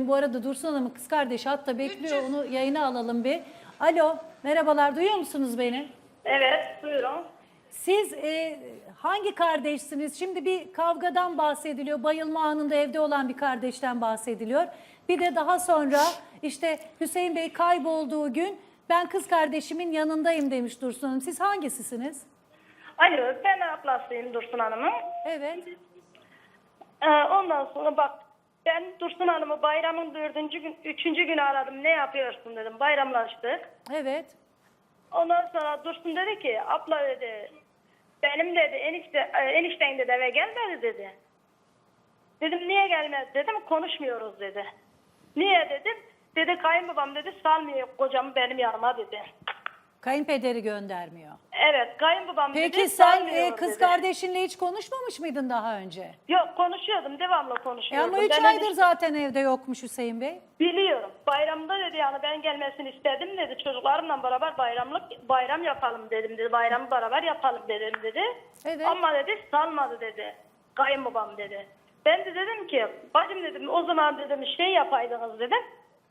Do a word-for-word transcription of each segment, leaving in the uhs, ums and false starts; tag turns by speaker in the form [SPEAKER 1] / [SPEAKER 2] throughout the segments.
[SPEAKER 1] Bu arada Dursun Hanım'ın kız kardeşi hatta bekliyor. Onu yayına alalım bir. Alo, merhabalar, duyuyor musunuz beni?
[SPEAKER 2] Evet, buyurun.
[SPEAKER 1] Siz e, hangi kardeşsiniz? Şimdi bir kavgadan bahsediliyor. Bayılma anında evde olan bir kardeşten bahsediliyor. Bir de daha sonra işte Hüseyin Bey kaybolduğu gün ben kız kardeşimin yanındayım demiş Dursun Hanım. Siz hangisisiniz?
[SPEAKER 2] Alo, ben ablasıyım Dursun Hanım'ın.
[SPEAKER 1] Evet.
[SPEAKER 2] Ee, ondan sonra bak, ben Dursun Hanım'ı bayramın dördüncü gün, üçüncü günü aradım. Ne yapıyorsun dedim, bayramlaştık.
[SPEAKER 1] Evet.
[SPEAKER 2] Ondan sonra Dursun dedi ki, abla dedi, benim dedi enişte, e, enişten dedi eve gelmedi dedi. Dedim niye gelmez dedim, konuşmuyoruz dedi. Niye dedim, dedi kayınbabam dedi salmıyor kocamı benim yanıma dedi.
[SPEAKER 1] Kayınpederi göndermiyor.
[SPEAKER 2] Evet, kayınbabam dedi
[SPEAKER 1] Peki sen
[SPEAKER 2] salmıyor
[SPEAKER 1] e, kız
[SPEAKER 2] dedi.
[SPEAKER 1] kardeşinle hiç konuşmamış mıydın daha önce?
[SPEAKER 2] Yok, konuşuyordum, devamlı
[SPEAKER 1] E
[SPEAKER 2] konuşuyordum.
[SPEAKER 1] ama üç
[SPEAKER 2] Ben
[SPEAKER 1] aydır
[SPEAKER 2] enişte-
[SPEAKER 1] zaten evde yokmuş Hüseyin Bey.
[SPEAKER 2] Biliyorum. Bayramda dedi yani ben gelmesini istedim dedi. Çocuklarımla beraber bayramlık bayram yapalım dedim dedi. Bayramı beraber yapalım dedim dedi.
[SPEAKER 1] Evet.
[SPEAKER 2] Ama dedi salmadı dedi. Kayınbabam dedi. Ben de dedim ki bacım dedim o zaman dedim şey yapaydınız dedim.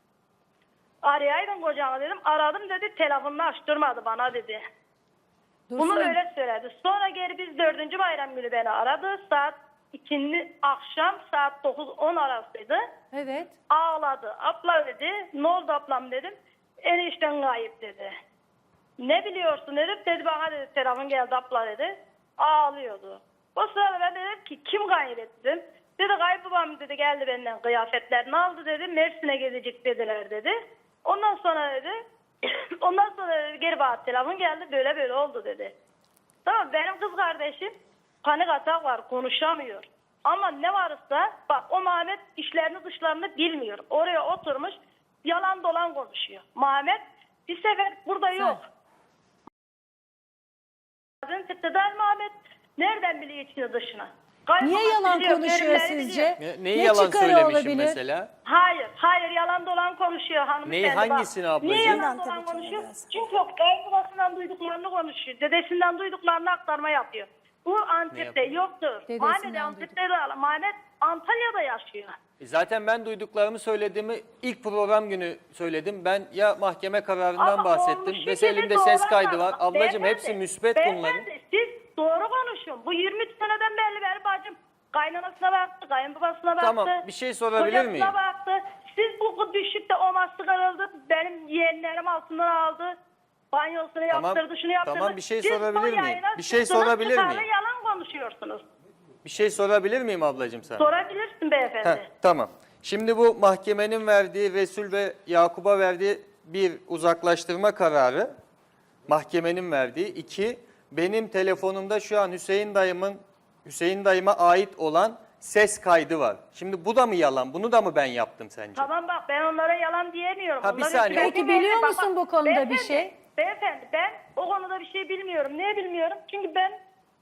[SPEAKER 2] Arayaydın kocanı dedim. Aradım dedi telefonunu açtırmadı bana dedi.
[SPEAKER 1] Dursun
[SPEAKER 2] Bunu
[SPEAKER 1] Hanım,
[SPEAKER 2] öyle söyledi. Sonra geri biz dördüncü bayram günü beni aradı. Saat ikindi akşam saat dokuz on arasıydı.
[SPEAKER 1] Evet.
[SPEAKER 2] Ağladı. Abla dedi. Ne oldu ablam dedim. Enişten kayıp dedi. Ne biliyorsun dedim. Dedi bana dedi telefon geldi abla dedi. Ağlıyordu. O sırada ben dedim ki kim kaybetti dedim. Dedi kayınbabam dedi geldi benden kıyafetlerini aldı dedi. Mersin'e gidecek dediler dedi. Ondan sonra dedi. Ondan sonra dedi, geri bana telefon geldi böyle böyle oldu dedi. Tamam benim kız kardeşim panik atak var konuşamıyor. Ama ne varsa bak o Mehmet işlerini dışlarını bilmiyor. Oraya oturmuş yalan dolan konuşuyor. Mehmet bir sefer burada yok. Sen Tıktıdan Mehmet nereden biliyor içini dışına?
[SPEAKER 1] Niye
[SPEAKER 2] Kaybolmak
[SPEAKER 1] yalan
[SPEAKER 2] biliyor,
[SPEAKER 1] konuşuyor
[SPEAKER 2] bölümleri
[SPEAKER 1] sizce?
[SPEAKER 2] biliyor.
[SPEAKER 3] Ne, neyi
[SPEAKER 1] Ne
[SPEAKER 3] yalan
[SPEAKER 1] çıkarı
[SPEAKER 3] söylemişim
[SPEAKER 1] olabilir?
[SPEAKER 3] mesela?
[SPEAKER 2] Hayır, hayır yalan dolan konuşuyor hanımefendi.
[SPEAKER 3] Neyi,
[SPEAKER 2] bak.
[SPEAKER 3] hangisini ablacığım?
[SPEAKER 2] Niye yalan
[SPEAKER 4] Yalan
[SPEAKER 2] dolan
[SPEAKER 4] tabii ki
[SPEAKER 2] konuşuyor?
[SPEAKER 4] biraz.
[SPEAKER 2] Çünkü o babasından duyduklarını konuşuyor. Dedesinden duyduklarını aktarma yapıyor. Bu Antep'te
[SPEAKER 3] yapıyor?
[SPEAKER 2] yoktur.
[SPEAKER 1] Dedesinden
[SPEAKER 2] Mehmet
[SPEAKER 1] duyduk.
[SPEAKER 2] Antep'te de Mehmet Antalya'da yaşıyor.
[SPEAKER 3] E Zaten ben duyduklarımı söylediğimi ilk program günü söyledim. Ben ya mahkeme kararından
[SPEAKER 2] Ama
[SPEAKER 3] bahsettim.
[SPEAKER 2] olmuş
[SPEAKER 3] Mesela
[SPEAKER 2] gibi
[SPEAKER 3] elimde ses
[SPEAKER 2] doğru
[SPEAKER 3] kaydı
[SPEAKER 2] anlatma.
[SPEAKER 3] var. Ablacığım
[SPEAKER 2] Beyefendi,
[SPEAKER 3] hepsi müsbet bunların.
[SPEAKER 2] beyefendi, siz doğru konuşun. Bu yirmi üç seneden belli benim bacım. Kaynanasına baktı, kayınbabasına baktı.
[SPEAKER 3] Tamam, bir şey sorabilir
[SPEAKER 2] kocasına
[SPEAKER 3] miyim?
[SPEAKER 2] baktı. Siz bu düşükte o mastı kırıldı. Benim yeğenlerim altından aldı. Banyosunu
[SPEAKER 3] Tamam,
[SPEAKER 2] yaptırdı, şunu yaptırdı.
[SPEAKER 3] tamam, bir şey
[SPEAKER 2] Siz
[SPEAKER 3] sorabilir
[SPEAKER 2] bu
[SPEAKER 3] miyim?
[SPEAKER 2] yayına
[SPEAKER 3] Bir şey
[SPEAKER 2] çıktınız,
[SPEAKER 3] sorabilir
[SPEAKER 2] çıkardı,
[SPEAKER 3] miyim?
[SPEAKER 2] yalan konuşuyorsunuz.
[SPEAKER 3] Bir şey sorabilir miyim ablacığım sana?
[SPEAKER 2] Sorabilirsin beyefendi.
[SPEAKER 3] Heh, tamam. Şimdi bu mahkemenin verdiği, Resul ve Yakup'a verdiği bir uzaklaştırma kararı, mahkemenin verdiği. İki, benim telefonumda şu an Hüseyin dayımın, Hüseyin dayıma ait olan ses kaydı var. Şimdi bu da mı yalan? Bunu da mı ben yaptım sence?
[SPEAKER 2] Tamam bak ben onlara yalan diyemiyorum.
[SPEAKER 3] Ha, bir
[SPEAKER 2] Onların
[SPEAKER 3] saniye.
[SPEAKER 2] sürekli
[SPEAKER 1] Peki, biliyor
[SPEAKER 2] bak,
[SPEAKER 1] musun
[SPEAKER 2] bak,
[SPEAKER 1] bu konuda bir
[SPEAKER 2] beyefendi,
[SPEAKER 1] şey?
[SPEAKER 2] Beyefendi ben o konuda bir şey bilmiyorum. Niye bilmiyorum? Çünkü ben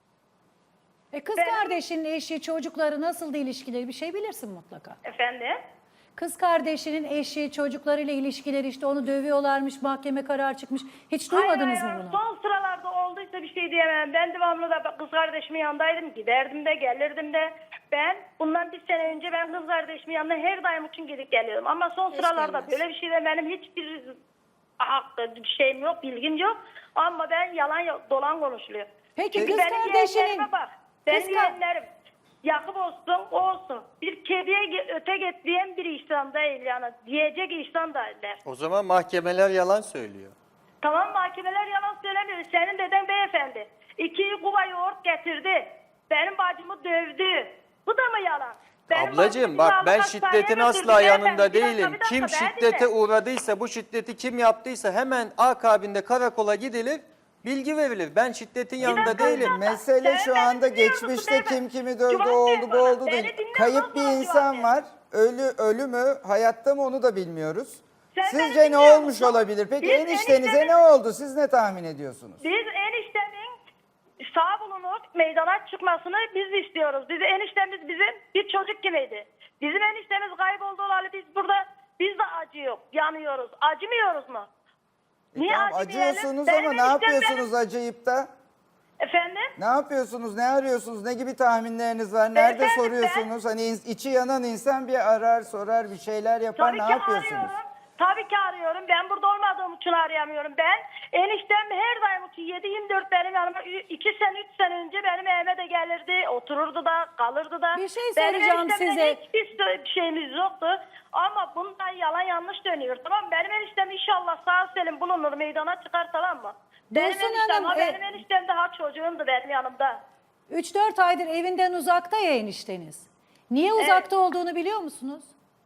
[SPEAKER 1] E kız
[SPEAKER 2] Ben-
[SPEAKER 1] kardeşinin eşi, çocukları nasıldı ilişkileri bir şey bilirsin mutlaka.
[SPEAKER 2] efendim
[SPEAKER 1] Kız kardeşinin eşi, çocuklarıyla ilişkileri işte onu dövüyorlarmış, mahkeme kararı çıkmış. Hiç duymadınız
[SPEAKER 2] hayır,
[SPEAKER 1] mı
[SPEAKER 2] hayır,
[SPEAKER 1] bunu?
[SPEAKER 2] son sıralarda olduysa bir şey diyemem. Ben devamlı da kız kardeşimin yanındaydım. Giderdim de gelirdim de. Ben bundan bir sene önce ben kız kardeşimin yanına her daim için gidip geliyorum. Ama son sıralarda
[SPEAKER 4] gelmez.
[SPEAKER 2] böyle bir şeyde benim hiçbir hakkı bir şeyim yok, bilgim yok. Ama ben yalan yok, dolan konuşuluyor.
[SPEAKER 1] Peki
[SPEAKER 2] Çünkü
[SPEAKER 1] kız
[SPEAKER 2] benim
[SPEAKER 1] kardeşinin-
[SPEAKER 2] yeğenlerime bak. Benim
[SPEAKER 1] Kız ka-
[SPEAKER 2] yeğenlerim Yakup olsun, o olsun. Bir kediye ge- öte getiriyen bir işlem değil yani. Diyecek işlem değiller.
[SPEAKER 3] O zaman mahkemeler yalan söylüyor.
[SPEAKER 2] Tamam mahkemeler yalan söylemiyor. Senin deden beyefendi. İki kuba yoğurt getirdi. Benim bacımı dövdü. Bu da mı yalan? Benim
[SPEAKER 3] Ablacığım
[SPEAKER 2] bacımı
[SPEAKER 3] bak
[SPEAKER 2] silahlı
[SPEAKER 3] ben
[SPEAKER 2] hastaneye
[SPEAKER 3] şiddetin
[SPEAKER 2] götürdü
[SPEAKER 3] asla
[SPEAKER 2] beyefendi.
[SPEAKER 3] yanında
[SPEAKER 2] Bir dakika,
[SPEAKER 3] değilim.
[SPEAKER 2] bir dakika,
[SPEAKER 3] Kim
[SPEAKER 2] ben
[SPEAKER 3] şiddete
[SPEAKER 2] dinle.
[SPEAKER 3] uğradıysa, bu şiddeti kim yaptıysa hemen akabinde karakola gidilir, bilgi verilir. Ben şiddetin yanında
[SPEAKER 2] dakika, bir
[SPEAKER 3] değilim.
[SPEAKER 2] dakika.
[SPEAKER 4] Mesele
[SPEAKER 2] Sen
[SPEAKER 4] şu
[SPEAKER 2] beni
[SPEAKER 4] anda
[SPEAKER 2] dinliyor musun
[SPEAKER 4] geçmişte
[SPEAKER 2] beyefendi?
[SPEAKER 4] kim kimi dövdü,
[SPEAKER 2] Cevap
[SPEAKER 4] o
[SPEAKER 2] ver
[SPEAKER 4] oldu bu
[SPEAKER 2] bana.
[SPEAKER 4] oldu
[SPEAKER 2] Beni
[SPEAKER 4] değil.
[SPEAKER 2] dinliyor
[SPEAKER 4] Kayıp
[SPEAKER 2] musun?
[SPEAKER 4] bir
[SPEAKER 2] Cevap
[SPEAKER 4] insan
[SPEAKER 2] ver.
[SPEAKER 4] var. Ölü ölü mü, hayatta mı onu da bilmiyoruz.
[SPEAKER 2] Sen beni
[SPEAKER 4] Sizce ne
[SPEAKER 2] dinliyor
[SPEAKER 4] olmuş
[SPEAKER 2] musun?
[SPEAKER 4] olabilir? Peki
[SPEAKER 2] Biz
[SPEAKER 4] eniştenize
[SPEAKER 2] eniştemin-
[SPEAKER 4] ne oldu? Siz ne tahmin ediyorsunuz?
[SPEAKER 2] Biz eniştemin sağ bulunup meydana çıkmasını biz istiyoruz. Biz eniştemiz bizim bir çocuk gibiydi. Bizim eniştemiz kayboldu olalı biz burada biz de acıyor, yanıyoruz. Acımıyoruz mu?
[SPEAKER 4] E
[SPEAKER 2] Niye
[SPEAKER 4] tamam,
[SPEAKER 2] acımayalım?
[SPEAKER 4] acıyorsunuz
[SPEAKER 2] Benim
[SPEAKER 4] ama ne
[SPEAKER 2] eniştem
[SPEAKER 4] yapıyorsunuz acıyıp da?
[SPEAKER 2] Efendim?
[SPEAKER 4] Ne yapıyorsunuz? Ne arıyorsunuz? Ne gibi tahminleriniz var? Nerede
[SPEAKER 2] Beyefendi,
[SPEAKER 4] soruyorsunuz? Hani in- içi yanan insan bir arar, sorar, bir şeyler yapar.
[SPEAKER 2] Tabii
[SPEAKER 4] ne
[SPEAKER 2] ki
[SPEAKER 4] yapıyorsunuz?
[SPEAKER 2] arıyorum. Tabii ki arıyorum. Ben burada olmadığım için arayamıyorum. Ben eniştem her daim için yedi yirmi dört benim yanıma iki sene üç sene önce benim evime de gelirdi. Otururdu da kalırdı da.
[SPEAKER 1] Bir şey
[SPEAKER 2] Benim
[SPEAKER 1] soracağım
[SPEAKER 2] eniştemle
[SPEAKER 1] size.
[SPEAKER 2] hiçbir bir şeyimiz yoktu. Ama bundan yalan yanlış dönüyor. Tamam mı? Benim eniştem inşallah sağ selim bulunur, meydana çıkar, tamam mı? Benim
[SPEAKER 1] Dursun
[SPEAKER 2] eniştem,
[SPEAKER 1] Hanım,
[SPEAKER 2] ha,
[SPEAKER 1] e-
[SPEAKER 2] benim eniştem de ha çocuğumdu benim yanımda.
[SPEAKER 1] üç dört aydır evinden uzakta ya enişteniz. Niye uzakta olduğunu biliyor musunuz?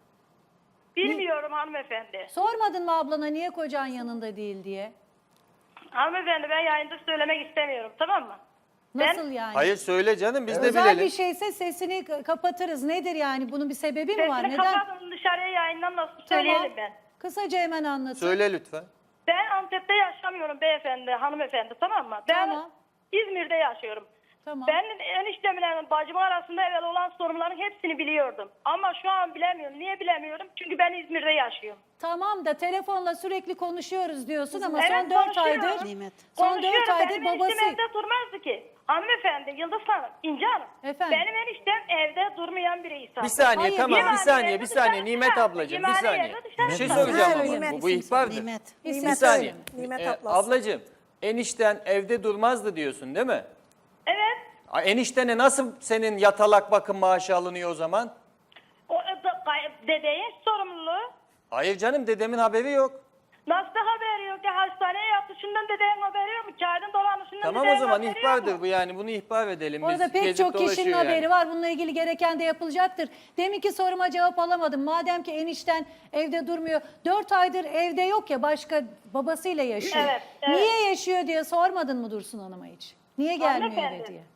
[SPEAKER 2] Bilmiyorum hanımefendi.
[SPEAKER 1] Sormadın mı ablana niye kocan yanında değil diye?
[SPEAKER 2] Hanımefendi ben yayında söylemek istemiyorum, tamam mı?
[SPEAKER 1] Nasıl
[SPEAKER 2] Ben-
[SPEAKER 1] yani?
[SPEAKER 3] Hayır söyle canım biz de
[SPEAKER 1] Özel
[SPEAKER 3] bilelim.
[SPEAKER 1] bir şeyse sesini k- kapatırız. Nedir yani? Bunun bir sebebi mi var?
[SPEAKER 2] Sesini
[SPEAKER 1] Neden?
[SPEAKER 2] kapatın, dışarıya yayından nasıl
[SPEAKER 1] Tamam.
[SPEAKER 2] söyleyelim ben.
[SPEAKER 1] Kısaca hemen anlatın.
[SPEAKER 3] Söyle lütfen.
[SPEAKER 2] Ben Antep'te yaşamıyorum beyefendi, hanımefendi, tamam mı? Ben
[SPEAKER 1] Tamam.
[SPEAKER 2] İzmir'de yaşıyorum.
[SPEAKER 1] Tamam.
[SPEAKER 2] Ben eniştemle bacım arasında evvel olan sorunların hepsini biliyordum. Ama şu an bilemiyorum. Niye bilemiyorum? Çünkü ben İzmir'de yaşıyorum.
[SPEAKER 1] Tamam da telefonla sürekli konuşuyoruz diyorsun ama
[SPEAKER 2] Evet,
[SPEAKER 1] son dört
[SPEAKER 2] konuşuyorum.
[SPEAKER 1] aydır
[SPEAKER 5] Nimet.
[SPEAKER 1] son dört
[SPEAKER 2] Konuşuyorum.
[SPEAKER 1] aydır
[SPEAKER 2] Benim
[SPEAKER 1] babası
[SPEAKER 2] eniştem evde durmazdı ki. Hanımefendi, Yıldız Hanım, İnce Hanım.
[SPEAKER 1] Efendim?
[SPEAKER 2] Benim eniştem evde durmayan bir insan.
[SPEAKER 3] Bir saniye
[SPEAKER 1] Hayır,
[SPEAKER 3] tamam
[SPEAKER 2] yemeğe
[SPEAKER 3] bir saniye
[SPEAKER 2] yerde
[SPEAKER 3] bir saniye
[SPEAKER 2] dışarı
[SPEAKER 3] Nimet
[SPEAKER 2] çıkardı.
[SPEAKER 3] ablacığım bir
[SPEAKER 2] Yemeğe
[SPEAKER 3] saniye.
[SPEAKER 2] yerde dışarı
[SPEAKER 3] Bir şey
[SPEAKER 2] çıkardı.
[SPEAKER 3] soracağım
[SPEAKER 5] Ha,
[SPEAKER 3] ama
[SPEAKER 5] Nimet
[SPEAKER 3] bu, bu
[SPEAKER 5] isim
[SPEAKER 3] ihbardır.
[SPEAKER 5] Nimet.
[SPEAKER 1] İsim
[SPEAKER 3] Bir saniye.
[SPEAKER 5] Nimet
[SPEAKER 3] Ee,
[SPEAKER 5] ablası.
[SPEAKER 3] ablacığım enişten evde durmazdı diyorsun değil mi?
[SPEAKER 2] Evet.
[SPEAKER 3] A, Eniştene nasıl senin yatalak bakım maaşı alınıyor o zaman?
[SPEAKER 2] O e, da- gay- dedeyin sorumluluğu.
[SPEAKER 3] Hayır canım dedemin haberi yok.
[SPEAKER 2] Nasıl haberi yok ya? Hastaneye yatışından dedeyin haberi yok mu? Kağıdın dolanışından
[SPEAKER 3] Tamam o
[SPEAKER 2] dedeyin
[SPEAKER 3] zaman
[SPEAKER 2] haberi yok
[SPEAKER 3] ihbardır
[SPEAKER 2] mu?
[SPEAKER 3] bu yani bunu ihbar edelim.
[SPEAKER 1] Orada
[SPEAKER 3] Biz
[SPEAKER 1] pek
[SPEAKER 3] gezip
[SPEAKER 1] çok kişinin
[SPEAKER 3] dolaşıyor yani.
[SPEAKER 1] haberi var. Bununla ilgili gereken de yapılacaktır. Deminki soruma cevap alamadım. Madem ki enişten evde durmuyor. Dört aydır evde yok ya başka babasıyla yaşıyor.
[SPEAKER 2] Evet, evet.
[SPEAKER 1] Niye yaşıyor diye sormadın mı Dursun Hanım'a hiç? Niye gelmiyor eve
[SPEAKER 2] Hanımefendi.
[SPEAKER 1] diye?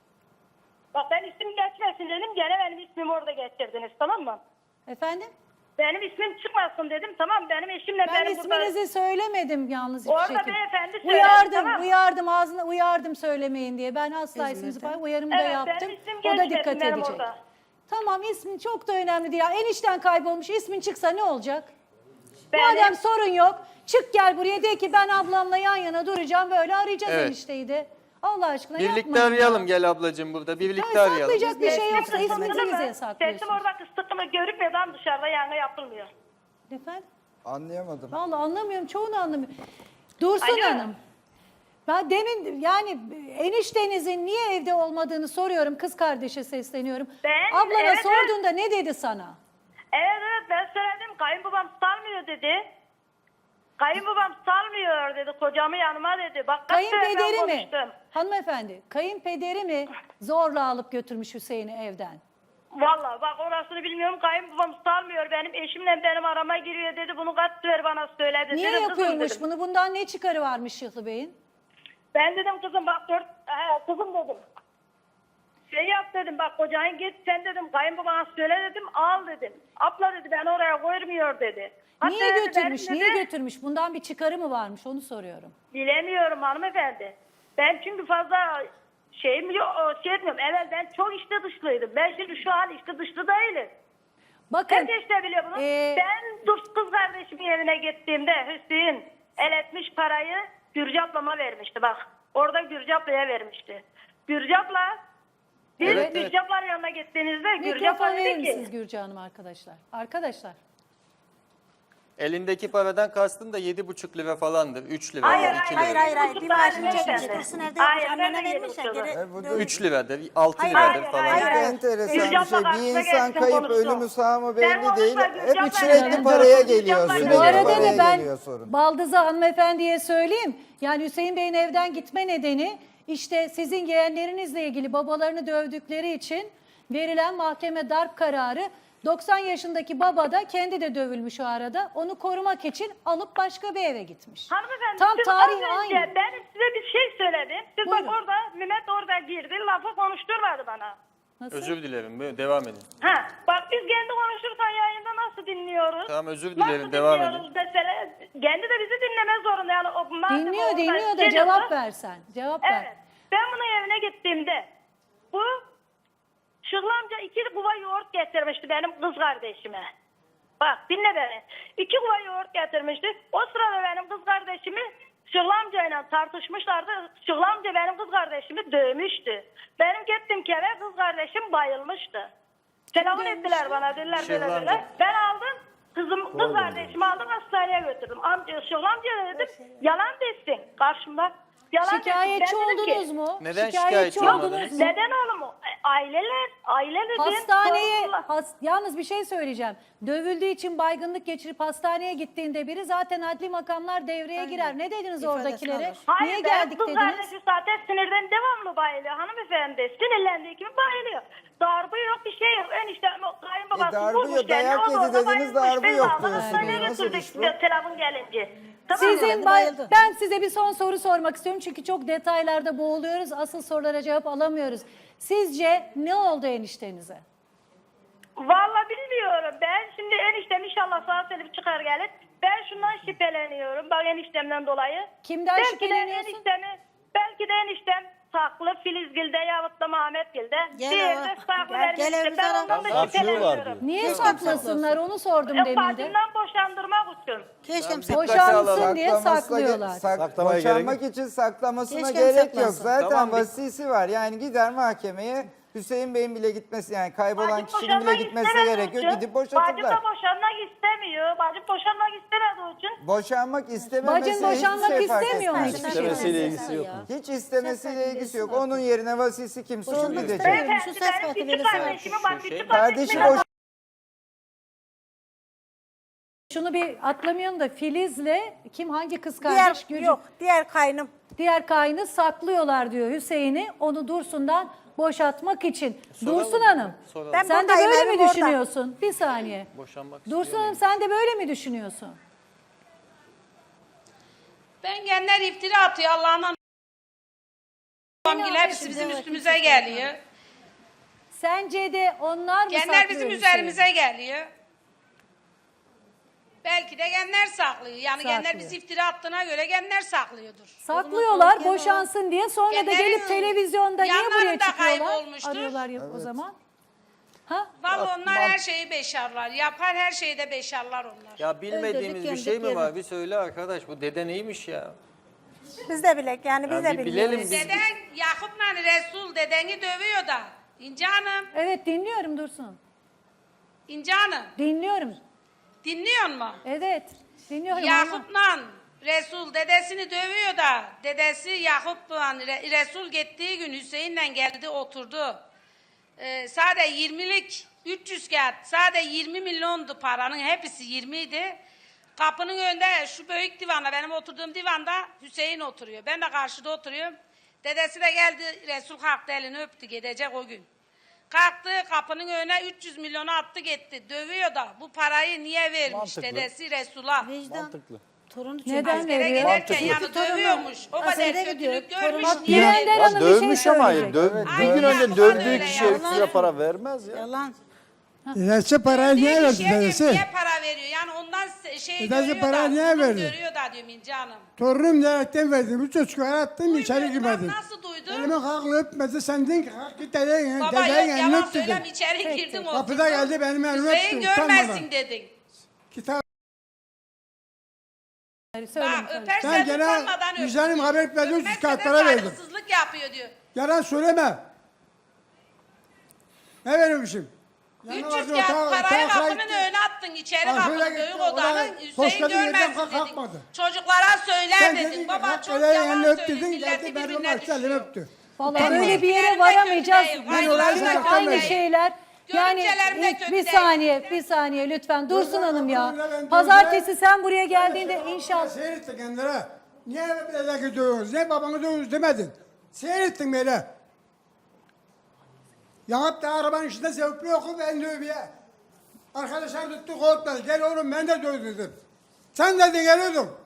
[SPEAKER 2] Bak ben isim geçmesin dedim. Gene benim ismimi orada geçirdiniz, tamam mı?
[SPEAKER 1] Efendim?
[SPEAKER 2] Benim ismim çıkmasın dedim, tamam. Benim eşimle
[SPEAKER 1] Ben
[SPEAKER 2] benim burada...
[SPEAKER 1] isminizi söylemedim yalnız hiçbir
[SPEAKER 2] Orada
[SPEAKER 1] şekilde.
[SPEAKER 2] beyefendi söyledi,
[SPEAKER 1] Uyardım,
[SPEAKER 2] tamam.
[SPEAKER 1] uyardım ağzına uyardım söylemeyin diye. Ben asla isminizi
[SPEAKER 5] İzmir'de.
[SPEAKER 1] falan uyarımı da
[SPEAKER 2] Evet,
[SPEAKER 1] yaptım.
[SPEAKER 2] benim ismim
[SPEAKER 1] O da
[SPEAKER 2] geçmesin
[SPEAKER 1] dikkat
[SPEAKER 2] benim
[SPEAKER 1] edecek.
[SPEAKER 2] orada.
[SPEAKER 1] Tamam ismin çok da önemli değil. Ya enişten kaybolmuş ismin çıksa ne olacak?
[SPEAKER 2] Benim-
[SPEAKER 1] Madem sorun yok çık gel buraya de ki ben ablamla yan yana duracağım böyle arayacağız
[SPEAKER 3] Evet.
[SPEAKER 1] enişteyi de. Allah aşkına
[SPEAKER 3] Birlikte
[SPEAKER 1] yapmayın
[SPEAKER 3] arayalım
[SPEAKER 1] ya.
[SPEAKER 3] gel ablacığım burada birlikte
[SPEAKER 1] Yani
[SPEAKER 3] arayalım.
[SPEAKER 1] saklayacak bir şey yoksa
[SPEAKER 2] Sesim
[SPEAKER 1] isminizi
[SPEAKER 2] sıkıntı
[SPEAKER 1] bize
[SPEAKER 2] mı?
[SPEAKER 1] saklıyorsunuz.
[SPEAKER 2] Sesim orada kısıtlı mı görükmüyor, ama dışarıda yangın yapılmıyor.
[SPEAKER 1] Efendim?
[SPEAKER 4] Anlayamadım.
[SPEAKER 1] Vallahi anlamıyorum çoğunu anlamıyorum. Dursun
[SPEAKER 2] Alo.
[SPEAKER 1] Hanım. Ben demin yani eniştenizin niye evde olmadığını soruyorum. Kız kardeşe sesleniyorum.
[SPEAKER 2] Ben-
[SPEAKER 1] Ablana
[SPEAKER 2] evet,
[SPEAKER 1] sorduğunda ne dedi sana?
[SPEAKER 2] Evet evet ben söyledim, kayınbabam salmıyor dedi. Kayınbabam salmıyor dedi, kocamı yanıma dedi. Bak kaç sefer ben
[SPEAKER 1] Kayınpederi mi?
[SPEAKER 2] konuştum.
[SPEAKER 1] Hanımefendi, kayınpederi mi zorla alıp götürmüş Hüseyin'i evden?
[SPEAKER 2] Vallahi bak orasını bilmiyorum, kayınbabam salmıyor. Benim eşimle benim arama giriyor dedi, bunu kaç sefer bana söyledi.
[SPEAKER 1] Niye
[SPEAKER 2] Dedim, kızım
[SPEAKER 1] yapıyormuş
[SPEAKER 2] dedim.
[SPEAKER 1] bunu? Bundan ne çıkarı varmış Şıhlı Bey'in?
[SPEAKER 2] Ben dedim kızım bak dört, he, kızım dedim. Şey yap dedim, bak kocan git sen dedim, kayınbabana söyle dedim, al dedim. Abla dedi ben oraya koymuyor dedi. Hatta
[SPEAKER 1] Niye
[SPEAKER 2] dedi,
[SPEAKER 1] götürmüş?
[SPEAKER 2] benim
[SPEAKER 1] Niye
[SPEAKER 2] dedi,
[SPEAKER 1] götürmüş? Bundan bir çıkarı mı varmış? Onu soruyorum.
[SPEAKER 2] Bilemiyorum hanımefendi. Ben çünkü fazla şeyim yok, şey etmiyorum. Evet ben çok işte dışlıydım. Ben şimdi şu an işte dışlı değilim.
[SPEAKER 1] Bakın.
[SPEAKER 2] Herkes de biliyor bunu.
[SPEAKER 1] ee,
[SPEAKER 2] Ben dur kız kardeşimin evine gittiğimde Hüseyin el etmiş parayı Gürcü ablama vermişti bak. Orada Gürcü ablaya vermişti. Gürcü abla biz
[SPEAKER 3] Evet, evet.
[SPEAKER 2] Gürcü ablanın yanına gittiğinizde Gürcü abla
[SPEAKER 1] Mikrofon verir
[SPEAKER 2] dedi
[SPEAKER 1] misiniz
[SPEAKER 2] ki
[SPEAKER 1] Gürcü Hanım arkadaşlar? Arkadaşlar.
[SPEAKER 3] Elindeki paradan kastın da yedi buçuk lira falandır. üç liradır,
[SPEAKER 2] Hayır,
[SPEAKER 3] iki
[SPEAKER 5] Hayır
[SPEAKER 3] liradır.
[SPEAKER 5] hayır hayır. Bir
[SPEAKER 2] Buçuk
[SPEAKER 5] maaşını
[SPEAKER 2] tane
[SPEAKER 5] çekmiş.
[SPEAKER 2] efendim.
[SPEAKER 5] Dursun evde
[SPEAKER 2] Hayır,
[SPEAKER 5] yapmış.
[SPEAKER 2] ben de
[SPEAKER 5] Annene
[SPEAKER 2] yedi
[SPEAKER 5] vermiş ya.
[SPEAKER 2] buçuk
[SPEAKER 5] Geri
[SPEAKER 4] E, bu da-
[SPEAKER 5] dön-
[SPEAKER 3] üç liradır, altı
[SPEAKER 5] Hayır,
[SPEAKER 3] liradır
[SPEAKER 2] hayır,
[SPEAKER 3] falan.
[SPEAKER 2] hayır,
[SPEAKER 4] Çok
[SPEAKER 2] hayır.
[SPEAKER 4] enteresan
[SPEAKER 2] Gürcü
[SPEAKER 4] bir
[SPEAKER 2] abla
[SPEAKER 4] şey. Bir
[SPEAKER 2] karşısına
[SPEAKER 4] insan
[SPEAKER 2] gelsin,
[SPEAKER 4] kayıp
[SPEAKER 2] konuşsun.
[SPEAKER 4] ölümü sağ mı
[SPEAKER 2] Sen
[SPEAKER 4] belli
[SPEAKER 2] konuşma,
[SPEAKER 4] değil.
[SPEAKER 2] Gürcü abla
[SPEAKER 4] Hep sürekli
[SPEAKER 2] gelsin.
[SPEAKER 4] paraya
[SPEAKER 2] Gürcü
[SPEAKER 4] geliyor.
[SPEAKER 2] abla
[SPEAKER 4] Sürekli
[SPEAKER 1] Bu
[SPEAKER 2] gelsin.
[SPEAKER 1] arada
[SPEAKER 4] paraya
[SPEAKER 1] da ben
[SPEAKER 4] geliyor sorun.
[SPEAKER 1] Baldız'a hanımefendiye söyleyeyim. Yani Hüseyin Bey'in evden gitme nedeni işte sizin yeğenlerinizle ilgili babalarını dövdükleri için verilen mahkeme darp kararı. doksan yaşındaki baba da kendi de dövülmüş o arada. Onu korumak için alıp başka bir eve gitmiş.
[SPEAKER 2] Hanımefendi
[SPEAKER 1] Tam
[SPEAKER 2] siz
[SPEAKER 1] tarih
[SPEAKER 2] az önce
[SPEAKER 1] aynı.
[SPEAKER 2] ben size bir şey söyledim. Siz
[SPEAKER 1] Buyurun.
[SPEAKER 2] bak orada Mehmet orada girdi, lafı konuşturmadı bana.
[SPEAKER 1] Nasıl?
[SPEAKER 3] Özür dilerim buyurun, devam edin.
[SPEAKER 2] Ha, bak biz kendi konuşurken yayında nasıl dinliyoruz?
[SPEAKER 3] Tamam, özür
[SPEAKER 2] Nasıl
[SPEAKER 3] dilerim, devam
[SPEAKER 2] dinliyoruz mesela? Kendi de bizi dinleme zorunda yani. O, madem
[SPEAKER 1] Dinliyor
[SPEAKER 2] orada
[SPEAKER 1] dinliyor da
[SPEAKER 2] şey
[SPEAKER 1] cevap
[SPEAKER 2] diyorsa-
[SPEAKER 1] versen. Cevap ver.
[SPEAKER 2] Evet. Ben bunun evine gittiğimde bu Şıhlı amca iki kuva yoğurt getirmişti benim kız kardeşime. Bak dinle beni. İki kuva yoğurt getirmişti. O sırada benim kız kardeşimi Şıgıl amcayla tartışmışlardı. Şıgıl amca benim kız kardeşimi dövmüştü. Benim gittim kere kız kardeşim bayılmıştı. Telefon ettiler bana, dediler
[SPEAKER 3] Şıgıl
[SPEAKER 2] böyle
[SPEAKER 3] amca.
[SPEAKER 2] böyle. Ben aldım. Kızım, kız kardeşimi aldım hastaneye götürdüm. Amca, Şıgıl amca dedim, yalan desin karşımda. Yalan desin.
[SPEAKER 1] Şikayetçi
[SPEAKER 2] Ben dedim ki,
[SPEAKER 1] oldunuz mu?
[SPEAKER 3] Neden
[SPEAKER 1] Şikayetçi
[SPEAKER 3] şikayetçi
[SPEAKER 1] oldunuz
[SPEAKER 3] olmadınız?
[SPEAKER 1] mu?
[SPEAKER 2] neden oğlum? Aileler, aile dedim.
[SPEAKER 1] Hastaneye,
[SPEAKER 2] sorumlular.
[SPEAKER 1] has- yalnız bir şey söyleyeceğim. Dövüldüğü için baygınlık geçirip hastaneye gittiğinde biri zaten adli makamlar devreye girer. Ne dediniz
[SPEAKER 5] İfadesini
[SPEAKER 1] oradakilere?
[SPEAKER 5] alır.
[SPEAKER 2] Hayır,
[SPEAKER 1] Niye
[SPEAKER 2] benim
[SPEAKER 1] geldik
[SPEAKER 2] kız
[SPEAKER 1] dediniz?
[SPEAKER 2] kardeşi zaten sinirden devamlı bayılıyor hanımefendi. Sinirlendiği gibi bayılıyor. Darbe yok, bir şey yok. Enişte kayınbabası
[SPEAKER 4] E, darbe
[SPEAKER 2] vurmuş
[SPEAKER 4] yok,
[SPEAKER 2] kendini,
[SPEAKER 4] dayak
[SPEAKER 2] o da
[SPEAKER 4] yedi
[SPEAKER 2] orada
[SPEAKER 4] dediniz,
[SPEAKER 2] bayılmış.
[SPEAKER 4] darbe
[SPEAKER 2] Biz
[SPEAKER 4] yok
[SPEAKER 2] aldık,
[SPEAKER 4] diyorsunuz.
[SPEAKER 2] hastaneye
[SPEAKER 4] Nasıl
[SPEAKER 2] götürdük
[SPEAKER 4] iş bu?
[SPEAKER 2] bir telefon gelince. Tamam mı?
[SPEAKER 1] Sizin bay-
[SPEAKER 5] bayıldı.
[SPEAKER 1] ben size bir son soru sormak istiyorum çünkü çok detaylarda boğuluyoruz. Asıl sorulara cevap alamıyoruz. Sizce ne oldu eniştenize?
[SPEAKER 2] Vallahi bilmiyorum. Ben şimdi eniştem inşallah sağ salim çıkar gelir. Ben şundan şüpheleniyorum. Bak eniştemden dolayı.
[SPEAKER 1] Kimden
[SPEAKER 2] belki
[SPEAKER 1] şüpheleniyorsun?
[SPEAKER 2] De eniştemi, belki de eniştem saklı Filizgil'de yahut da Mehmetgil'de.
[SPEAKER 5] Gel
[SPEAKER 2] Diğeri
[SPEAKER 5] ama.
[SPEAKER 2] de saklı
[SPEAKER 5] Gel-
[SPEAKER 2] benim
[SPEAKER 5] gel
[SPEAKER 2] işte.
[SPEAKER 5] evimize
[SPEAKER 2] Ben
[SPEAKER 5] ara.
[SPEAKER 2] ondan da
[SPEAKER 6] Saklıyorlar
[SPEAKER 2] şüpheleniyorum.
[SPEAKER 6] diyor.
[SPEAKER 1] Niye
[SPEAKER 5] Keşke
[SPEAKER 1] saklasınlar onu sordum
[SPEAKER 2] E,
[SPEAKER 1] demin de.
[SPEAKER 2] bacımdan boşandırmak için.
[SPEAKER 5] Keşke
[SPEAKER 3] Dikkate
[SPEAKER 1] Boşansın
[SPEAKER 3] alalım.
[SPEAKER 1] diye
[SPEAKER 4] Saklamasına ge-
[SPEAKER 1] saklıyorlar.
[SPEAKER 4] sak-
[SPEAKER 6] Saklamaya
[SPEAKER 4] boşanmak
[SPEAKER 6] gerek
[SPEAKER 4] için saklamasına
[SPEAKER 5] Keşke
[SPEAKER 4] gerek yok.
[SPEAKER 5] saklansın.
[SPEAKER 4] Zaten
[SPEAKER 3] Tamam, bir-
[SPEAKER 4] vasisi var. Yani gider mahkemeye, Hüseyin Bey'in bile gitmesi, yani kaybolan
[SPEAKER 2] Bacım
[SPEAKER 4] kişinin bile
[SPEAKER 2] boşanmak
[SPEAKER 4] gitmesine
[SPEAKER 2] istemediği
[SPEAKER 4] gerek yok.
[SPEAKER 2] için,
[SPEAKER 4] Gidip
[SPEAKER 2] Bacım
[SPEAKER 4] boşatırlar.
[SPEAKER 2] da boşanmak istemiyor. Bacım boşanmak istemediği için.
[SPEAKER 4] Boşanmak istememesi
[SPEAKER 1] Bacın boşanmak
[SPEAKER 4] hiçbir şey fark
[SPEAKER 1] istemiyor mu
[SPEAKER 4] etmez.
[SPEAKER 1] hiçbir
[SPEAKER 6] İstemesiyle
[SPEAKER 1] şey?
[SPEAKER 6] ilgisi yok.
[SPEAKER 4] Hiç istemesiyle ilgisi yok. Onun yerine vasisi kimse o
[SPEAKER 5] Boşanmak
[SPEAKER 4] gidecek.
[SPEAKER 5] istemiyor.
[SPEAKER 2] Beyefendi
[SPEAKER 5] Şu ses
[SPEAKER 2] benim
[SPEAKER 5] kartı
[SPEAKER 2] küçük
[SPEAKER 5] verirse
[SPEAKER 2] kardeşimi bak
[SPEAKER 3] Şu
[SPEAKER 2] küçük
[SPEAKER 3] şey-
[SPEAKER 4] Kardeşi
[SPEAKER 2] kardeşime
[SPEAKER 4] boş
[SPEAKER 1] Şunu bir atlamayalım da Filiz'le kim hangi kız
[SPEAKER 7] Diğer
[SPEAKER 1] kardeş? Gülcüm-
[SPEAKER 7] yok, diğer kaynım.
[SPEAKER 1] Diğer kaynı saklıyorlar diyor Hüseyin'i onu Dursun'dan boşatmak için. Dursun Hanım
[SPEAKER 3] Soralım.
[SPEAKER 7] Ben
[SPEAKER 1] sen de
[SPEAKER 7] buradayım,
[SPEAKER 1] böyle
[SPEAKER 7] evim
[SPEAKER 1] mi
[SPEAKER 7] orada.
[SPEAKER 1] düşünüyorsun? Bir saniye.
[SPEAKER 3] Boşanmak
[SPEAKER 1] Dursun
[SPEAKER 3] istiyor
[SPEAKER 1] Hanım sen de böyle mi düşünüyorsun?
[SPEAKER 8] Ben genler iftira atıyor Allah'ından. Babamgil hepsi bizim üstümüze geliyor.
[SPEAKER 1] Sence de onlar mı
[SPEAKER 8] Genler
[SPEAKER 1] saklıyor
[SPEAKER 8] bizim
[SPEAKER 1] Hüseyin'i?
[SPEAKER 8] üzerimize geliyor. Belki de genler saklıyor. Yani genler
[SPEAKER 1] Saklıyor.
[SPEAKER 8] bizi iftira attığına göre genler saklıyordur.
[SPEAKER 1] Saklıyorlar
[SPEAKER 5] Genel-
[SPEAKER 1] boşansın diye sonra da
[SPEAKER 8] Genlerin
[SPEAKER 1] gelip televizyonda niye buraya
[SPEAKER 8] yanlarında
[SPEAKER 1] çıkıyorlar?
[SPEAKER 8] kaybolmuştur.
[SPEAKER 1] Arıyorlar ya o zaman. Ha?
[SPEAKER 8] Vallahi onlar her şeyi beşarlar. Yapar her şeyi de beşarlar onlar.
[SPEAKER 3] Ya bilmediğimiz
[SPEAKER 5] Öldürdük,
[SPEAKER 3] bir şey mi
[SPEAKER 5] yendik,
[SPEAKER 3] var?
[SPEAKER 5] yedik.
[SPEAKER 3] Bir söyle arkadaş, bu dede neymiş ya?
[SPEAKER 7] Biz de bilek yani biz
[SPEAKER 3] Ya
[SPEAKER 7] de
[SPEAKER 3] bir
[SPEAKER 7] bilmiyoruz.
[SPEAKER 3] bilelim biz.
[SPEAKER 8] Deden Yakup'la Resul dedeni dövüyor da. İnce Hanım,
[SPEAKER 1] Evet dinliyorum Dursun.
[SPEAKER 8] İnce Hanım
[SPEAKER 1] Dinliyorum.
[SPEAKER 8] dinliyor musun?
[SPEAKER 1] Evet dinliyorum. ama-
[SPEAKER 8] Yakup'la Resul dedesini dövüyor da dedesi Yakup'la Re- Resul gittiği gün Hüseyin'le geldi oturdu. Ee, sadece yirmilik üç yüz kağıt sadece yirmi milyondu paranın hepsi yirmi idi. Kapının önünde şu büyük divanda benim oturduğum divanda Hüseyin oturuyor. Ben de karşıda oturuyorum. Dedesi de geldi Resul kalktı elini öptü gidecek o gün. Kalktı kapının önüne üç yüz milyonu attı gitti. Dövüyor da bu parayı niye vermiş
[SPEAKER 6] Mantıklı.
[SPEAKER 8] dedesi Resul'a.
[SPEAKER 5] Vicdan.
[SPEAKER 6] Mantıklı.
[SPEAKER 5] Torunu çünkü.
[SPEAKER 1] Neden
[SPEAKER 8] Askere
[SPEAKER 1] veriyor?
[SPEAKER 8] giderken
[SPEAKER 6] Mantıklı.
[SPEAKER 8] yani dövüyormuş. O kadar
[SPEAKER 5] Askere gidiyor,
[SPEAKER 8] kötülük
[SPEAKER 5] torunu-
[SPEAKER 8] görmüş.
[SPEAKER 5] Bak,
[SPEAKER 8] niye
[SPEAKER 1] Bülent
[SPEAKER 8] veriyor?
[SPEAKER 1] Hanım
[SPEAKER 6] Ya
[SPEAKER 1] bir şey
[SPEAKER 6] dövmüş ama
[SPEAKER 1] söyleyecek.
[SPEAKER 6] döv,
[SPEAKER 8] Aynen,
[SPEAKER 6] bir gün önce
[SPEAKER 8] Yakup'a da
[SPEAKER 6] dövdüğü
[SPEAKER 8] öyle
[SPEAKER 6] kişiye
[SPEAKER 8] ya.
[SPEAKER 6] ekstra para vermez ya.
[SPEAKER 5] Yalan.
[SPEAKER 9] Dedesi parayı niye
[SPEAKER 8] Dövdüğü
[SPEAKER 9] verdi
[SPEAKER 8] kişiye
[SPEAKER 9] dedesi?
[SPEAKER 8] niye para veriyor? Yani ondan se- şey
[SPEAKER 9] Dedesi
[SPEAKER 8] görüyor
[SPEAKER 9] parayı
[SPEAKER 8] da,
[SPEAKER 9] niye
[SPEAKER 8] zulüm
[SPEAKER 9] verdi?
[SPEAKER 8] görüyor da diyorum İnce Hanım.
[SPEAKER 9] Torunum diyerekten verdim. Üç çocuklar attım içeri
[SPEAKER 8] Duymuyorum,
[SPEAKER 9] girmedim.
[SPEAKER 8] nasıl duydun?
[SPEAKER 9] Elime kalkla öpmedi. Sen dedin ki kalk git dedenin
[SPEAKER 8] Baba
[SPEAKER 9] dedenin
[SPEAKER 8] yok
[SPEAKER 9] elini
[SPEAKER 8] yalan
[SPEAKER 9] öp dedin.
[SPEAKER 8] söylem içeri girdin oturdun.
[SPEAKER 9] Kapıda geldi benim elimi
[SPEAKER 8] Hüseyin
[SPEAKER 9] öptü.
[SPEAKER 8] görmezsin
[SPEAKER 9] utanmadan.
[SPEAKER 8] dedin.
[SPEAKER 9] Kitap.
[SPEAKER 1] Söyleyin,
[SPEAKER 8] Bak
[SPEAKER 1] söyleyin.
[SPEAKER 8] öpersen
[SPEAKER 9] Ben gene
[SPEAKER 8] utanmadan öp.
[SPEAKER 9] vicdanım haber etmedi. Üç yüz
[SPEAKER 8] Öpmezse de
[SPEAKER 9] kağıtlara verdim.
[SPEAKER 8] saygısızlık yapıyor diyor.
[SPEAKER 9] Yalan söyleme. Ne vermişim?
[SPEAKER 8] üç yüz kağıt parayı kapının önüne attın içeri
[SPEAKER 9] Ha,
[SPEAKER 8] kapının
[SPEAKER 9] şöyle
[SPEAKER 8] büyük
[SPEAKER 9] gitti,
[SPEAKER 8] odanın
[SPEAKER 9] oraya
[SPEAKER 8] Hüseyin
[SPEAKER 9] poşetin yerden
[SPEAKER 8] görmezsin
[SPEAKER 9] kalk-
[SPEAKER 8] dedin.
[SPEAKER 9] kalkmadı.
[SPEAKER 8] Çocuklara söyler
[SPEAKER 9] Sen
[SPEAKER 8] dedin.
[SPEAKER 9] dedin ki
[SPEAKER 8] Baba
[SPEAKER 9] kalk
[SPEAKER 8] çok
[SPEAKER 9] ele
[SPEAKER 8] yalan
[SPEAKER 9] elini öp
[SPEAKER 8] söylüyor.
[SPEAKER 9] dedin.
[SPEAKER 8] Milleti
[SPEAKER 9] Geldi benim
[SPEAKER 8] birbirine
[SPEAKER 9] açtı elimi
[SPEAKER 8] düşüyor.
[SPEAKER 9] öptü.
[SPEAKER 1] Vallahi
[SPEAKER 8] Benim
[SPEAKER 1] böyle bir yere
[SPEAKER 8] görümcelerim de
[SPEAKER 1] varamayacağız.
[SPEAKER 8] kötü değil.
[SPEAKER 1] Ben
[SPEAKER 8] Vallahi
[SPEAKER 1] oraya
[SPEAKER 8] kötü
[SPEAKER 1] aynı
[SPEAKER 8] değil.
[SPEAKER 1] şeyler. Yani
[SPEAKER 8] Görümcelerim de
[SPEAKER 1] ilk-
[SPEAKER 8] kötü
[SPEAKER 1] bir
[SPEAKER 8] değil.
[SPEAKER 1] saniye, bir saniye lütfen. Dursun
[SPEAKER 9] Burada
[SPEAKER 1] Hanım ya.
[SPEAKER 9] kapının önünde ben
[SPEAKER 1] Pazartesi
[SPEAKER 9] dövdüler.
[SPEAKER 1] sen buraya geldiğinde inşallah.
[SPEAKER 9] Seyrettin kendine. Niye böyle gidiyorsunuz? Niye babanı dövüyorsunuz demedin. Seyrettin böyle. Yahut da arabanın içinde zevkli yokum ben dövüye. Arkadaşlar tuttu korkmadı. Gel oğlum ben de dövdüm. Sen dedin geliyordun.